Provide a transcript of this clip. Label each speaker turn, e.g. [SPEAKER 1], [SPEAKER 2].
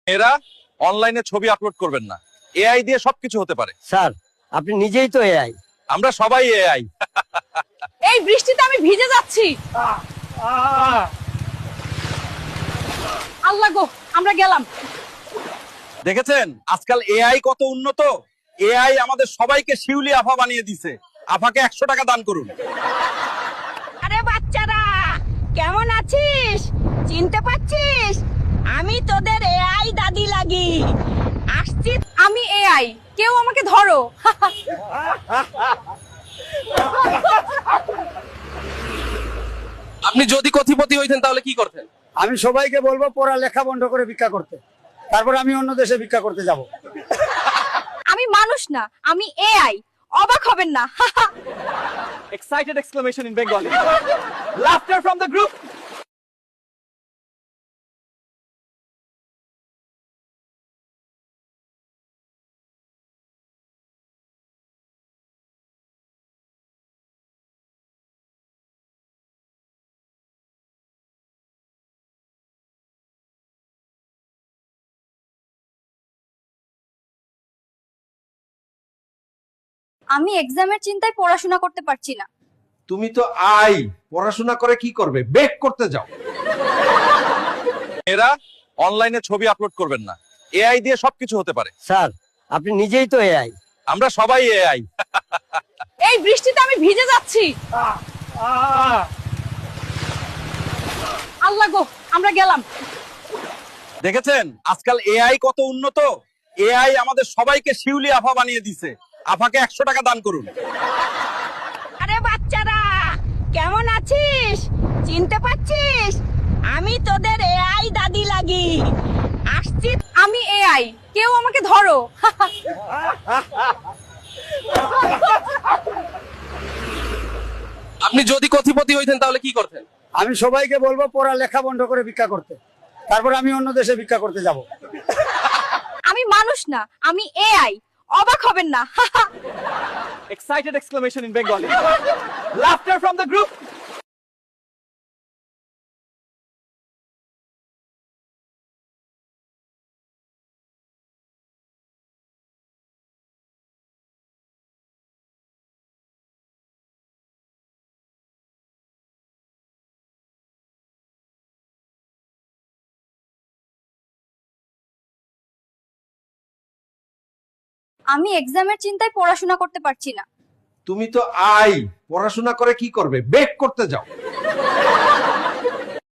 [SPEAKER 1] এরা অনলাইনে ছবি আপলোড করবেন না, এআই দিয়ে সবকিছু হতে পারে।
[SPEAKER 2] স্যার, আপনি নিজেই তো এআই।
[SPEAKER 1] আমরা সবাই এআই।
[SPEAKER 3] এই বৃষ্টিতে আমি ভিজে যাচ্ছি। আল্লাহ গো, আমরা গেলাম।
[SPEAKER 1] দেখেছেন আজকাল এআই কত উন্নত। এআই আমাদের সবাইকে শিউলি আফা বানিয়ে দিছে। আফাকে 100 টাকা দান করুন।
[SPEAKER 4] আরে বাচ্চারা, কেমন আছিস? চিনতে পারছিস? আমি তোদের এআই দাদি লাগি। আসছি।
[SPEAKER 3] আমি এআই, কেউ আমাকে ধরো।
[SPEAKER 1] আপনি যদি কোটিপতি হইতেন তাহলে কি করতেন?
[SPEAKER 2] আমি সবাইকে বলবো পড়ালেখা বন্ধ করে ভিক্ষা করতে, তারপর আমি অন্য দেশে ভিক্ষা করতে যাব।
[SPEAKER 3] আমি মানুষ না, আমি এআই। অবাক হবেন না।
[SPEAKER 5] Excited exclamation in Bengali. Laughter from the group.
[SPEAKER 3] আমি এক্সামের চিন্তায় পড়াশোনা করতে পারছি না।
[SPEAKER 6] তুমি তো আই পড়াশোনা করে কি করবে? বেক করতে যাও।
[SPEAKER 1] এরা অনলাইনে ছবি আপলোড করবেন না, এআই দিয়ে সবকিছু হতে পারে।
[SPEAKER 2] স্যার, আপনি নিজেই তো এআই।
[SPEAKER 1] আমরা সবাই এআই।
[SPEAKER 3] এই বৃষ্টিতে আমি ভিজে যাচ্ছি। আল্লাহ গো, আমরা গেলাম।
[SPEAKER 1] দেখেছেন আজকাল এআই কত উন্নত। এআই আমাদের সবাইকে শিউলি আফা বানিয়ে দিছে। আফাকে 100 টাকা দান করুন।
[SPEAKER 4] আরে বাচ্চারা, কেমন আছিস? চিনতে পারছিস? আমি তোদের এআই দাদি লাগি। আসছি।
[SPEAKER 3] আমি এআই, কেউ আমাকে ধরো।
[SPEAKER 1] আপনি যদি কোটিপতি হইতেন তাহলে কি করতেন?
[SPEAKER 2] আমি সবাইকে বলবো পড়ালেখা বন্ধ করে ভিক্ষা করতে, তারপর আমি অন্য দেশে ভিক্ষা করতে যাব।
[SPEAKER 3] আমি মানুষ না, আমি এআই। অবাক হবেন না।
[SPEAKER 5] Excited exclamation in Bengali. Laughter from the group.
[SPEAKER 3] আমি এক্সামের চিন্তায় পড়াশোনা করতে পারছি না।
[SPEAKER 6] তুমি তো আই পড়াশোনা করে কি করবে? বেক করতে যাও।